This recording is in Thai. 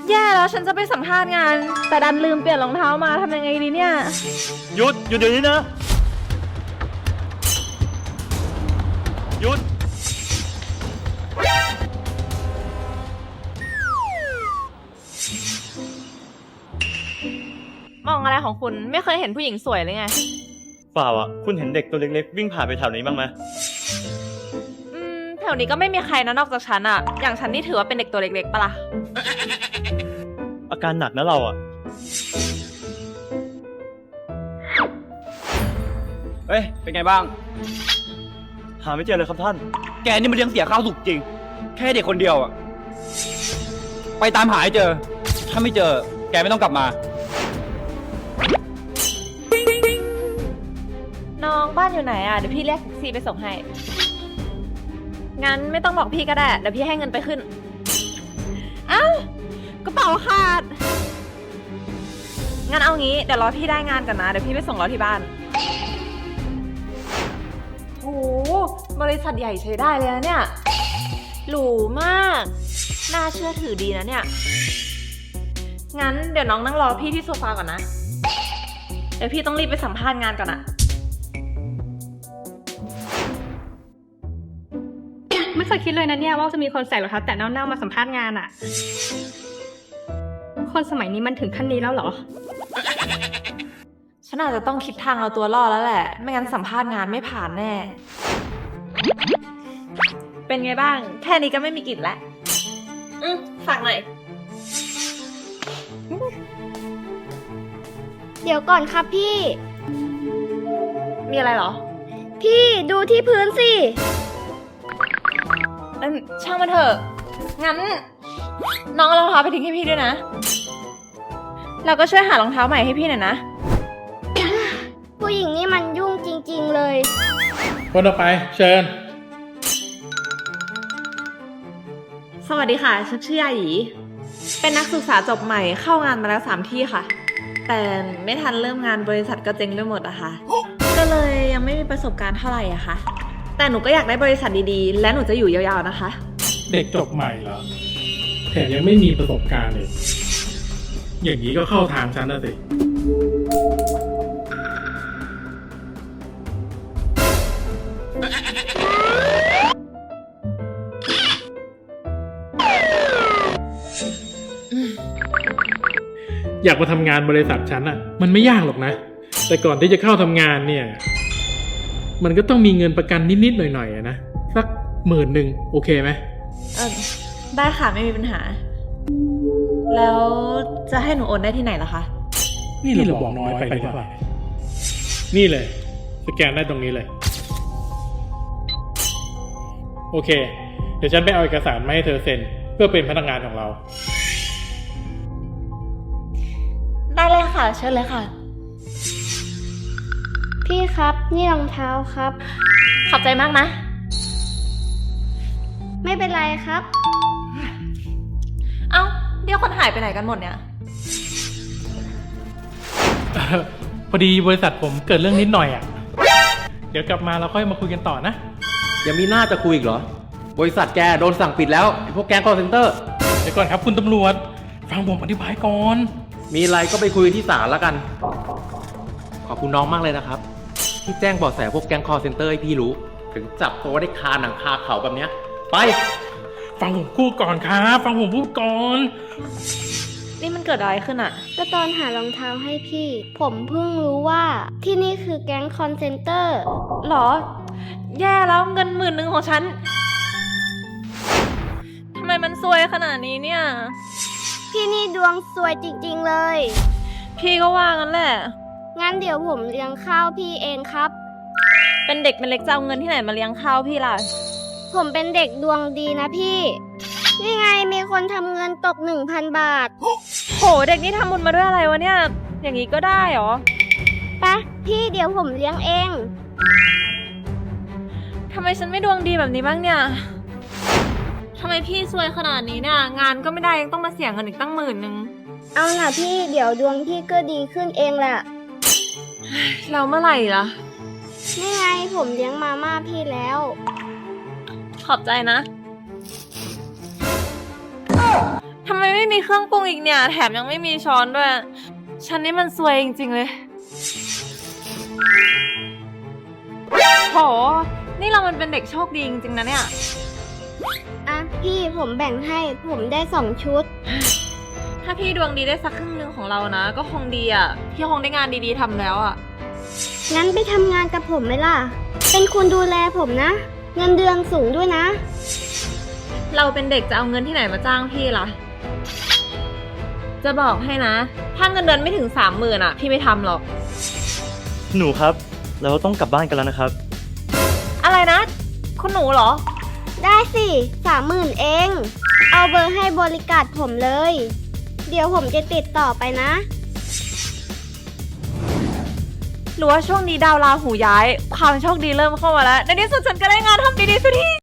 แย่แล้วฉันจะไปสัมภาษณ์งานแต่ดันลืมเปลี่ยนรองเท้ามาทำยังไงดีเนี่ยหยุดเดี๋ยวนี้นะหยุดมองอะไรของคุณไม่เคยเห็นผู้หญิงสวยเลยไงเปล่าอ่ะคุณเห็นเด็กตัวเล็กๆวิ่งผ่านไปแถวนี้บ้างไหมแถวนี้ก็ไม่มีใครนะนอกจากฉันอะอย่างฉันนี่ถือว่าเป็นเด็กตัวเล็กๆปะล่ะอาการหนักนะเราอ่ะเฮ้ยเป็นไงบ้างหาไม่เจอเลยครับท่านแกนี่มันเลี้ยงเสียข้าวสุกจริงแค่เด็กคนเดียวอ่ะไปตามหาให้เจอถ้าไม่เจอแกไม่ต้องกลับมาน้องบ้านอยู่ไหนอะเดี๋ยวพี่เรียกแท็กซี่ไปส่งให้งั้นไม่ต้องบอกพี่ก็ได้เดี๋ยวพี่ให้เงินไปขึ้นเอ้ากระเป๋าขาดงั้นเอางี้เดี๋ยวรอพี่ได้งานก่อนนะเดี๋ยวพี่ไปส่งเราที่บ้านโอ้บริษัทใหญ่ใช้ได้เลยนะเนี่ยหรูมากน่าเชื่อถือดีนะเนี่ยงั้นเดี๋ยวน้องนั่งรอพี่ที่โซฟาก่อนนะเดี๋ยวพี่ต้องรีบไปสัมภาษณ์งานก่อนนะไม่เคยคิดเลยนะเนี่ยว่าจะมีคนใส่รองเท้าแตะเน่าๆมาสัมภาษณ์งานอะคนสมัยนี้มันถึงขั้นนี้แล้วเหรอฉันอาจจะต้องคิดทางเอาตัวรอดแล้วแหละไม่งั้นสัมภาษณ์งานไม่ผ่านแน่เป็นไงบ้างแค่นี้ก็ไม่มีกลิ่นแล้วฝากหน่อยเดี๋ยวก่อนครับพี่มีอะไรเหรอพี่ดูที่พื้นสิช่างมันเถอะงั้นน้องเอารองเท้าไปทิ้งให้พี่ด้วยนะเราก็ช่วยหารองเท้าใหม่ให้พี่หน่อยนะผู้หญิงนี่มันยุ่งจริงๆเลยคนต่อไปเชิญสวัสดีค่ะฉันชื่อยาหยีเป็นนักศึกษาจบใหม่เข้างานมาแล้ว3 ที่ค่ะแต่ไม่ทันเริ่มงานบริษัทก็เจ๊งไปหมดอะค่ะก็เลยยังไม่มีประสบการณ์เท่าไหร่อะค่ะแต่หนูก็อยากได้บริษัทดีๆและหนูจะอยู่ยาวๆนะคะเด็กจบใหม่เหรอแถมยังไม่มีประสบการณ์เลยอย่างนี้ก็เข้าทางฉันนะสิอยากมาทำงานบริษัทฉันอ่ะมันไม่ยากหรอกนะแต่ก่อนที่จะเข้าทำงานเนี่ยมันก็ต้องมีเงินประกันนิดๆหน่อยๆนะสัก10,000โอเคไหมได้ค่ะไม่มีปัญหาแล้วจะให้หนูโอนได้ที่ไหนล่ะคะนี่เราบอกน้อยไปหรือเปล่านี่เลยสแกนได้ตรงนี้เลยโอเคเดี๋ยวฉันไปเอาเอกสารมาให้เธอเซ็นเพื่อเป็นพนักงานของเราได้เลยค่ะเชิญเลยค่ะพี่ครับนี่รองเท้าครับขอบใจมากนะไม่เป็นไรครับเอ้าเดี๋ยวคนหายไปไหนกันหมดเนี่ยพอดีบริษัทผมเกิดเรื่องนิดหน่อยอ่ะเดี๋ยวกลับมาเราค่อยมาคุยกันต่อนะยังมีหน้าจะคุยอีกเหรอบริษัทแกโดนสั่งปิดแล้วไอ้พวกแก๊งคอลเซ็นเตอร์เดี๋ยวก่อนครับคุณตำรวจฟังผมอธิบายก่อนมีอะไรก็ไปคุยที่ศาลแล้วกันขอบคุณน้องมากเลยนะครับที่แจ้งเบาะแสพวกแก๊งคอลเซ็นเตอร์ให้พี่รู้ถึงจับตัวได้คาหนังคาเขาแบบเนี้ยไปฟังผมพูดก่อนครับฟังผมพูดก่อนนี่มันเกิดอะไรขึ้นอะก็ตอนหารองเท้าให้พี่ผมเพิ่งรู้ว่าที่นี่คือแก๊งคอนเซนเตอร์หรอแย่แล้วเงิน10,000ของฉันทำไมมันซวยขนาดนี้เนี่ยพี่นี่ดวงซวยจริงๆเลยพี่ก็ว่างั้นแหละงั้นเดี๋ยวผมเลี้ยงข้าวพี่เองครับเป็นเด็กเป็นเล็กจะเอาเงินที่ไหนมาเลี้ยงข้าวพี่ล่ะผมเป็นเด็กดวงดีนะพี่นี่ไงมีคนทำเงินตก 1,000 บาทโหเด็กนี่ทำบุญมาด้วยอะไรวะเนี่ยอย่างนี้ก็ได้เหรอไปพี่เดี๋ยวผมเลี้ยงเองทำไมฉันไม่ดวงดีแบบนี้บ้างเนี่ยทำไมพี่ซวยขนาดนี้เนี่ยงานก็ไม่ได้ยังต้องมาเสียเงินอีกตั้ง10,000 เอาล่ะพี่เดี๋ยวดวงพี่ก็ดีขึ้นเองแหละแล้วเมื่อไหร่ล่ะนี่ไงผมเลี้ยงมาม่าพี่แล้วขอบใจนะทำไมไม่มีเครื่องปรุงอีกเนี่ย แถมยังไม่มีช้อนด้วย ฉันนี่มันซวยจริงๆเลยโห นี่เรามันเป็นเด็กโชคดีจริงๆนะเนี่ยอ่ะพี่ผมแบ่งให้ผมได้2 ชุดถ้าพี่ดวงดีได้สักครึ่งหนึงของเรานะ ก็คงดีอ่ะ พี่คงได้งานดีๆทำแล้วอ่ะงั้นไปทำงานกับผมไหมล่ะ เป็นคนดูแลผมนะ เงินเดือนสูงด้วยนะเราเป็นเด็กจะเอาเงินที่ไหนมาจ้างพี่ล่ะ จะบอกให้นะ ถ้าเงินเดือนไม่ถึง 30,000อ่ะ พี่ไม่ทำหรอกหนูครับ เราต้องกลับบ้านกันแล้วนะครับอะไรนะ คุณหนูเหรอได้สิ30,000เอง เอาเบอร์ให้บริการผมเลย เดี๋ยวผมจะติดต่อไปนะหรือว่าช่วงนี้ดาวราหูย้าย ความโชคดีเริ่มเข้ามาแล้ว ในที่สุดฉันก็ได้งานทำดีๆสักที